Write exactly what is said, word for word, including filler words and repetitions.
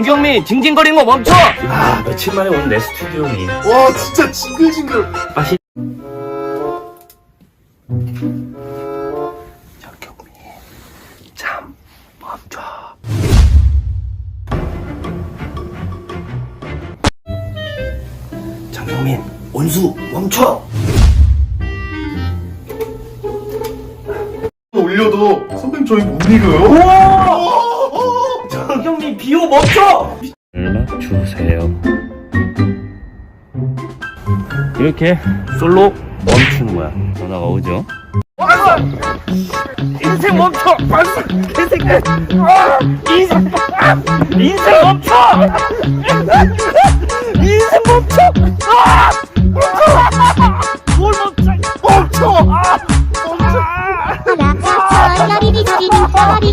정경민 징징거리는 거 멈춰! 아 며칠 만에 온 내 스튜디오니. 와 진짜 징글징글. 맛이. 정경민 잠 멈춰. 정경민 온수 멈춰. 올려도 선배님 저희 못 이겨요? 우와! 정경민 비호 멈춰! 연락 주세요. 이렇게 솔로 멈추는 거야. 전화가 오죠. 인생 멈춰! 발사! 개새끼! 아! 인생 아! 인생 멈춰! 인생 멈춰! 아! 멈춰! 뭘 멈춰! 멈춰! 아! 멈춰! 나가서 열이 비치는 별이